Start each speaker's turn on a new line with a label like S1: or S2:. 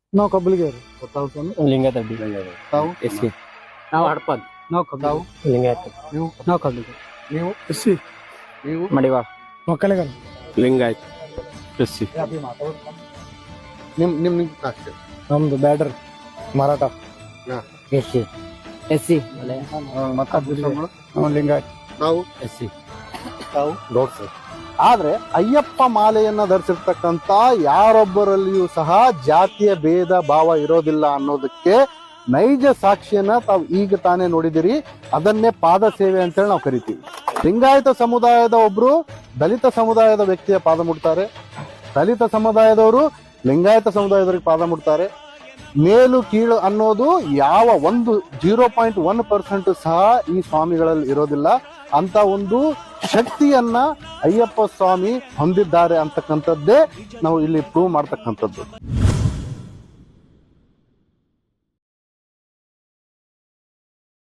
S1: ನಾವು ಕಬ್ಬಲಿಗೆರು.
S2: ತಾವು ಸ್ವಾಮಿ?
S3: ಲಿಂಗಾಯತ
S2: ತಾವು?
S3: ಎಸ್ಸಿ. ನಾವು ಹಡಪದ್.
S1: ನಾವು ಕಬ್ಬ.
S2: ತಾವು?
S3: ಲಿಂಗಾಯತ.
S2: ನೀವು?
S1: ನಾವು ಕಬ್ಬಲಿಗೆ.
S2: ನೀವು?
S1: ಎಸ್ಸಿ.
S2: ನೀವು?
S3: ಮಡಿವಾಳ.
S1: ಮಕ್ಕಳಿಗರ.
S3: ಲಿಂಗಾಯತ. ಎಸ್ಸಿ.
S2: ನಿಮ್ ಅಷ್ಟೇ.
S1: ನಮ್ದು ಬ್ಯಾಡ್ರಿ ಮರಾಠ.
S3: ಎಸ್ಸಿ. ಎಸ್ಸಿ.
S2: ಮತ್ತೆ ಅಭ್ಯಾಸಗಳು?
S1: ನಾವು ಲಿಂಗಾಯತ್.
S2: ತಾವು?
S3: ಎಸ್ಸಿ.
S2: ತಾವು?
S3: ದೋಡ್ಸು.
S2: ಆದ್ರೆ ಅಯ್ಯಪ್ಪ ಮಾಲೆಯನ್ನ ಧರಿಸಿರ್ತಕ್ಕಂತ ಯಾರೊಬ್ಬರಲ್ಲಿಯೂ ಸಹ ಜಾತಿಯ ಭೇದ ಭಾವ ಇರೋದಿಲ್ಲ ಅನ್ನೋದಕ್ಕೆ ನೈಜ ಸಾಕ್ಷಿಯನ್ನ ತಾವು ಈಗ ತಾನೇ ನೋಡಿದಿರಿ. ಅದನ್ನೇ ಪಾದ ಸೇವೆ ಅಂತೇಳಿ ನಾವು ಕರಿತೀವಿ. ಲಿಂಗಾಯತ ಸಮುದಾಯದ ಒಬ್ರು ದಲಿತ ಸಮುದಾಯದ ವ್ಯಕ್ತಿಯ ಪಾದ ಮುಟ್ತಾರೆ, ದಲಿತ ಸಮುದಾಯದವರು ಲಿಂಗಾಯತ ಸಮುದಾಯದವರಿಗೆ ಪಾದ ಮುಟ್ತಾರೆ. ಮೇಲು ಕೀಳು ಅನ್ನೋದು ಯಾವ ಒಂದು 0.1% ಸಹ ಈ ಸ್ವಾಮಿಗಳಲ್ಲಿ ಇರೋದಿಲ್ಲ. ಅಂತ ಒಂದು ಶಕ್ತಿಯನ್ನ ಅಯ್ಯಪ್ಪ ಸ್ವಾಮಿ ಹೊಂದಿದ್ದಾರೆ ಅಂತಕ್ಕಂಥದ್ದೇ ನಾವು ಇಲ್ಲಿ ಪ್ರೂವ್ ಮಾಡ್ತಕ್ಕಂಥದ್ದು.